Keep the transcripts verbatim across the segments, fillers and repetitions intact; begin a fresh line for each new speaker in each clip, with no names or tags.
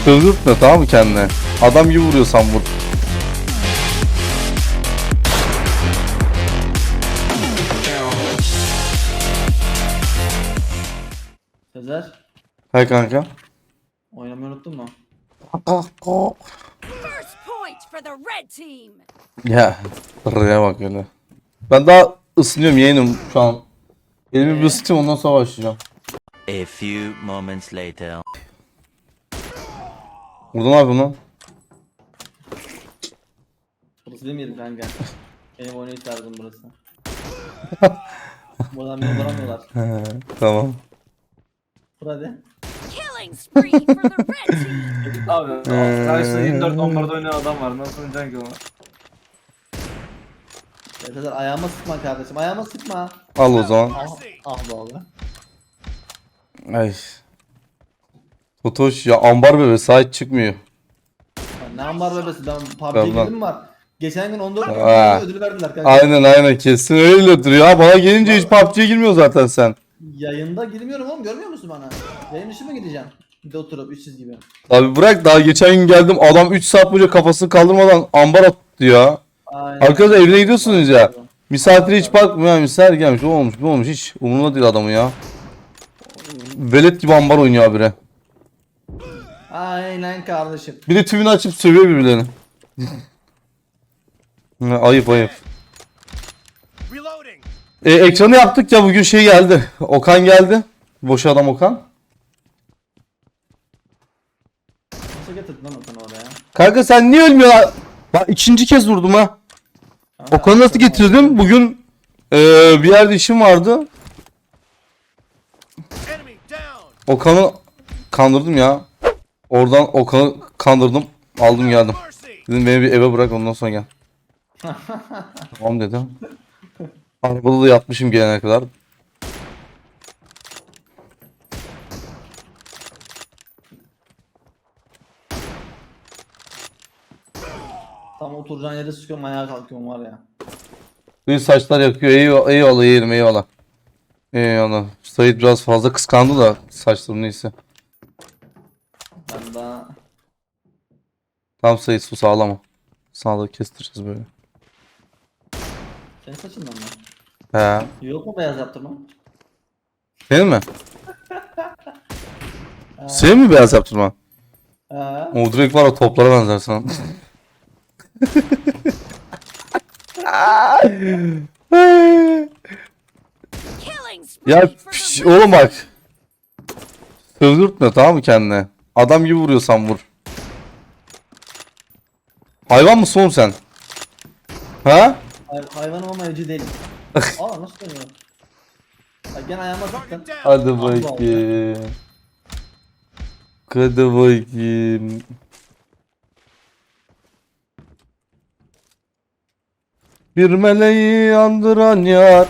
Kızdırtma, tamam mı kendine? Adam gibi vuruyorsan vur.
Sezer,
Hay kanka.
oynamayı unuttun mu?
First point for the red team.
Ya rıya bak öyle. Ben daha ısınıyorum, yeğenim şu an. Elimi bir ısıtayım, ondan sonra başlayacağım.
A few moments later.
Burada ne yapıyorsun lan?
Burası benim yerim kanka. Benim oynayış tarzım burası. Buradan beni vuramıyorlar.
He, tamam.
Vur hadi.
Killing spree for the red team.
Abi karşıda yirmi dört on birde oynayan adam var. Nasıl oynayacaksın ki onu? Ya Sezer ayağıma sıkma kardeşim. Ayağıma sıkma.
Al o zaman.
Ah, ah be abi.
Ay. Totoş ya, ambar bebe sahip çıkmıyor.
Ya ne ambar bebesi, ben P U B G'ye
Tamam.
girdim var. Geçen gün on dört
Aa.
ödülü verdiler kanka.
Aynen aynen, kesin öyledir ya. Bana gelince hiç P U B G'ye girmiyor zaten sen.
Yayında girmiyorum oğlum, görmüyor musun bana? Yayın dışı mı gideceğim? Bir de oturup üçsüz gibi.
Abi bırak, daha geçen gün geldim, adam üç saat boyunca kafasını kaldırmadan ambar attı ya.
Aynen.
Arkadaşlar evine gidiyorsunuz ya. Misafire hiç bakmıyor ya, misafir gelmiş, o olmuş bu olmuş, hiç umurunda değil adamın ya. Velet gibi ambar oynuyor habire.
Aynen kardeşim.
Bir de tümünü açıp sövüyor birbirlerini. Ha, ayıp ayıp. E, ekranı yaptık ya, bugün şey geldi. Okan geldi. Boş adam Okan.
Nasıl getirdin lan Okan'ı oraya?
Kanka sen niye ölmüyorsun? Bak ikinci kez vurdum ha.
Kanka,
Okan'ı nasıl getirdim? Bugün e, bir yerde işim vardı. Okan'ı kandırdım ya. Oradan Okan'ı kandırdım. Aldım geldim. Dedim beni bir eve bırak, ondan sonra gel. Tamam dedim. Arabada da yatmışım gelene kadar.
Tam oturacağın yere sıkıyorum, ayağa kalkıyorum var ya.
Bir saçlar yakıyor. Eyvallah, eyvallah yeğenim, eyvallah. Eyvallah. Sait biraz fazla kıskandı da saçlarım, neyse.
Ben daha...
Tam Sait, sus ağlama. Sağlığı kestireceğiz böyle.
Senin saçından mı?
He.
Yok mu beyaz yaptırma?
Senin mi? Senin mi beyaz yaptırma?
He.
O direkt var, o toplara benzer sana.
Killing spree
Ya
for
piş,
the red
oğlum bak. Sövdürtme, tamam mı kendine? Adam gibi vuruyorsan vur. Hayvan mısın oğlum sen? Ha?
Hay hayvanım ama evcil değilim. Aa nasıl dönüyor? Bak gene ayağıma sıktın.
Hadi
Allah Allah.
bakayım. Hadi bakayım. Bir meleği andıran yar.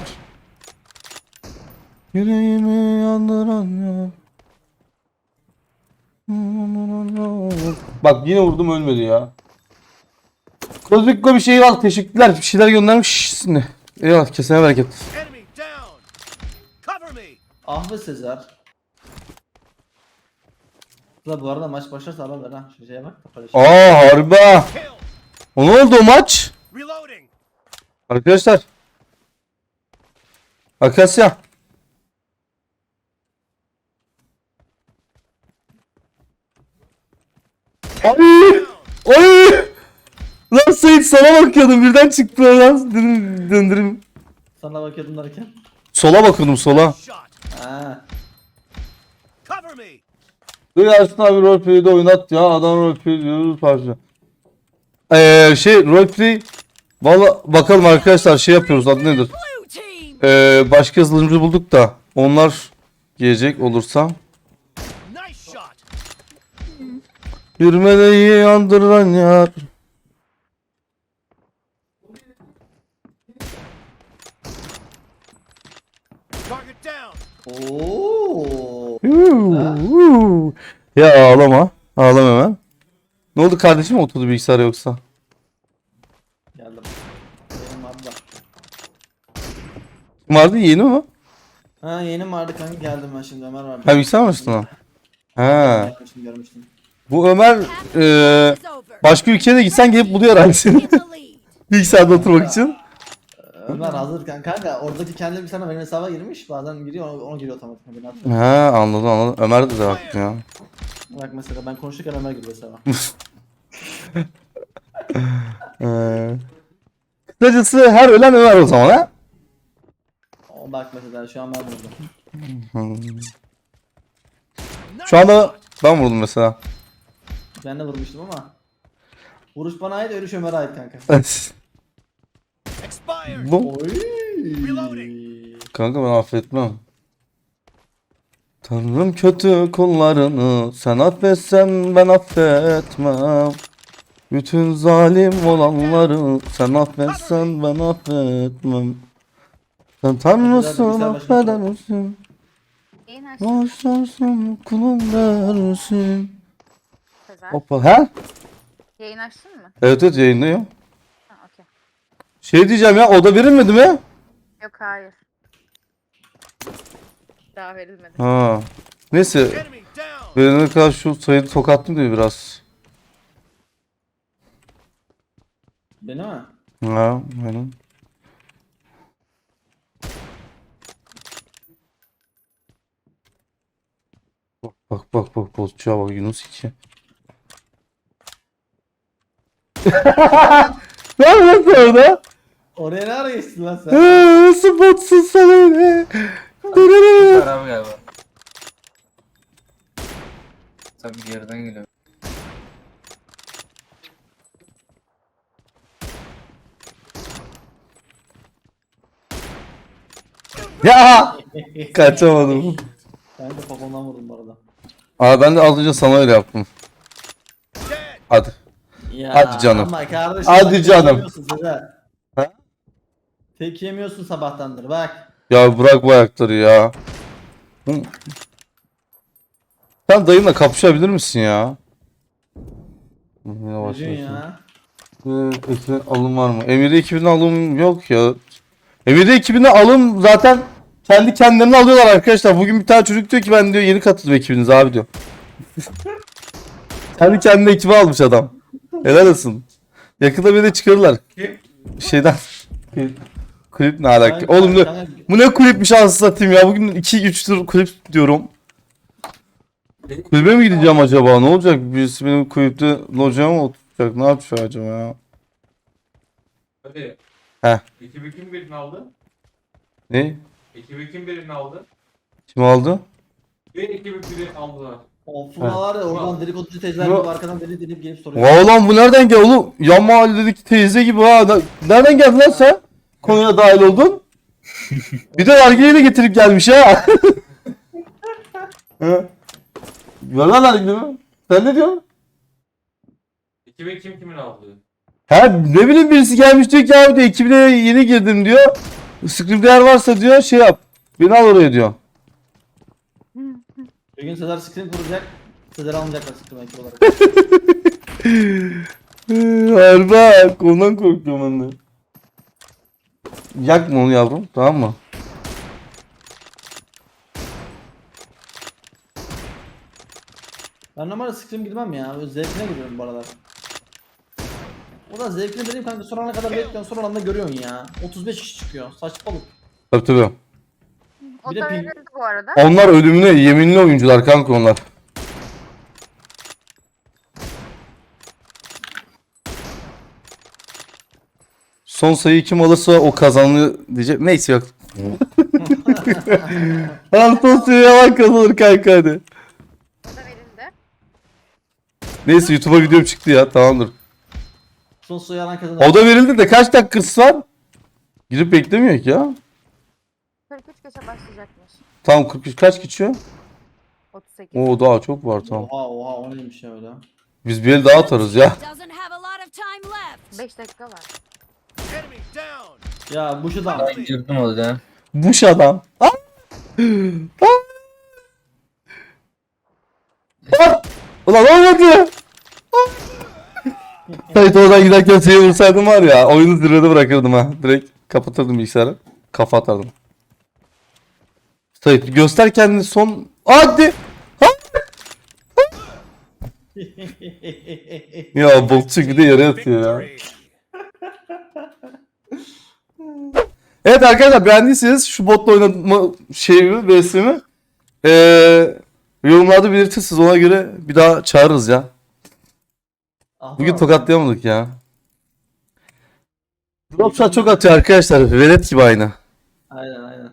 Yüreğimi yandıran yar. Bak yine vurdum, ölmedi ya. Kozmikko bir şey al, teşekkürler, bir şeyler göndermiş. Eyvallah, kesene bereket.
Ah be Sezer. La bu arada maç başlarsa haber ver ha. Şu şeye bak. Paylaşım.
Aa harbi ha. O ne oldu o maç? Arkadaşlar. Akasya. Ay! Ay! Lan Sait, sana bakıyordum, birden çıktı lan. Dedim döndüreyim.
Sana bakıyordum derken.
Sola bakıyordum, sola.
Ha.
Dur Ersin abi, roleplay'de oynat ya. Adam roleplay diyoruz parça. Eee şey roleplay. Valla bakalım arkadaşlar, şey yapıyoruz, adı nedir?
blue team.
Ee, başka yazılımcı bulduk da onlar gelecek olursa. Bir meleği yandıran yar.
Oo.
Huu, ya ağlama. Ağlama hemen. Ne oldu kardeşim, oturdu bilgisayar yoksa?
Geldim. Benim abla.
Kim vardı, yeni mi?
Ha yeni vardı kanka, geldim ben şimdi, Ömer vardı.
Ha bilgisayar mı açtın ha? Ha.
Görmüştüm, görmüştüm.
Bu Ömer e, başka ülkeye de gitsen gelip buluyor herhalde seni.
In the lead.
Bilgisayarda oturmak için.
Ömer hazır kanka. Kanka oradaki kendi bir sana benim hesaba girmiş. Bazen giriyor ona, ona giriyor otomatik. Beni atıyor.
He anladım anladım. Ömer de baktım ya.
Bak mesela ben konuşurken Ömer giriyor hesaba.
Ee, kısacası her ölen Ömer o zaman ha.
O bak mesela şu an ben vurdum.
Hmm. Şu anda ben vurdum mesela.
Ben de vurmuştum ama. Vuruş bana ait, ölüş Ömer'e ait kanka.
Bu
Oy.
kanka ben affetmem. Tanrım kötü kullarını sen affetsen ben affetmem. Bütün zalim olanları sen affetsen ben affetmem. Sen Tanrısın affeder misin?
Yayın açtın.
Bağışlarsın kulum dersin.
Sezer.
Hoppa he?
Yayın açtın mı?
Evet evet yayındayım.
Ha, okey.
Şey diyeceğim ya oda verilmedi mi?
Yok hayır. Daha verilmedi.
Ha. Neyse. Verene kadar şu sayıyı tokattım diyor biraz.
Beni mi?
Ha, aynen. Bak bak bak bak bozcuğa bak Yunus iki. Ne yapıyorsun orada?
Oraya ne ara geçtin lan sen?
Eee, nasıl botsun sen öyle?
Araba galiba. Tabii geriden geliyor.
Ya kaçamadım.
Ben de popondan vurdum bu arada.
Abi ben de az önce sana öyle yaptım. Hadi.
Ya,
Hadi canım.
Ama kardeşim
Hadi
bak, tek
canım.
yemiyorsun Sezer.
Ha?
Tek yemiyorsun sabahtandır bak.
Ya bırak bu ayakları ya. Hı. Sen dayımla kapışabilir misin ya? Yavaş
Ne diyorsun
yavaş.
ya?
Ee, ekibin alım var mı? Emir'de ekibinde alım yok ya. Emir'de ekibinde alım zaten kendi kendilerini alıyorlar arkadaşlar. Bugün bir tane çocuk diyor ki ben diyor yeni katıldım ekibinize abi diyor. Kendi kendine ekibi almış adam. Helal olsun. Yakında beni de çıkarırlar. Şeyden. Kulüp ne alaka?
Kanka,
Oğlum ne,
kanka,
bu ne kulüpmüş anasını satayım ya. Bugün iki üç tur kulüp diyorum. Kulübe mi gideceğim acaba? Ne olacak? Birisi benim kulüpte locaya mı oturacak? Ne yapacak acaba ya?
Hadi.
Heh.
Ekibi kim birini aldı?
Ne?
Ekibi kim birini aldı?
Kim aldı?
Bir ekibi biri aldılar.
o Funa var ya oradan dedikoducu teyzeler
Bu-
gibi arkadan deli delip gelip soruyor.
Vay lan bu nereden geldi oğlum? Yan mahalledeki teyze gibi ha. Ne- Nereden geldin lan sen? Konuya dahil oldun. Bir de nargileyi de getirip gelmiş ha. Hı. Ver lan nargileyi. Sen ne diyorsun?
Ekibi kim kimin aldı?
Ha ne bileyim birisi gelmiş diyor ki abi de ekibine yeni girdim diyor. Scrim'de varsa diyor şey yap. Beni al oraya diyor.
Bir gün Sezer screen kuracak. Sezer almayacaklar screen ekip olarak.
Harbi bak ondan korkuyorum ben de. Yakma onu yavrum tamam mı?
Ben normalde screen girmem ya. Böyle zevkine giriyorum bu aralar. O da zevkine dediğim kanka son ana kadar bekliyorsun son anda görüyorsun ya. otuz beş kişi çıkıyor. Saçmalık.
Tabii tabii.
O
Bir de
da
ping-
verildi bu arada.
Onlar ölümüne yeminli oyuncular kanka onlar. Son sayıyı kim alırsa o kazanıyor diyecek. Neyse yok. Al son sayıyı alan kazanır kanka hadi.
O da verildi.
Neyse YouTube'a videom çıktı ya tamamdır.
Son suyu alan kazanır.
O da verildi de kaç dakikası var? Girip beklemiyor ki ya.
kırk üç geçe başlayacakmış.
Tam kırk üç kaç geçiyor?
otuz sekiz.
Oo daha çok var tamam.
Oha oha o neymiş ya öyle.
Biz bir el daha atarız ya.
Doesn't have a lot of time left.
beş dakika var.
Ya bu şu da.
Ben girdim orada.
Buş adam. Ah! Ah! Ah! Ulan olmadı. Ah! Sait oradan giderken seni vursaydım var ya oyunu zirvede bırakırdım ha. Direkt kapatırdım bilgisayarı. Kafa atardım. Sait göster kendini son. Hadi. Ah! Ya bokçu gibi de yere yatıyor ya. Evet arkadaşlar beğendiyseniz şu botla oynama şeyimi, V S'imi ee, yorumlarda belirtirsiniz, ona göre bir daha çağırırız ya.
Ah,
Bugün
tamam.
tokatlayamadık ya. Dropshot çok atıyor arkadaşlar. Velet gibi aynı.
Aynen aynen.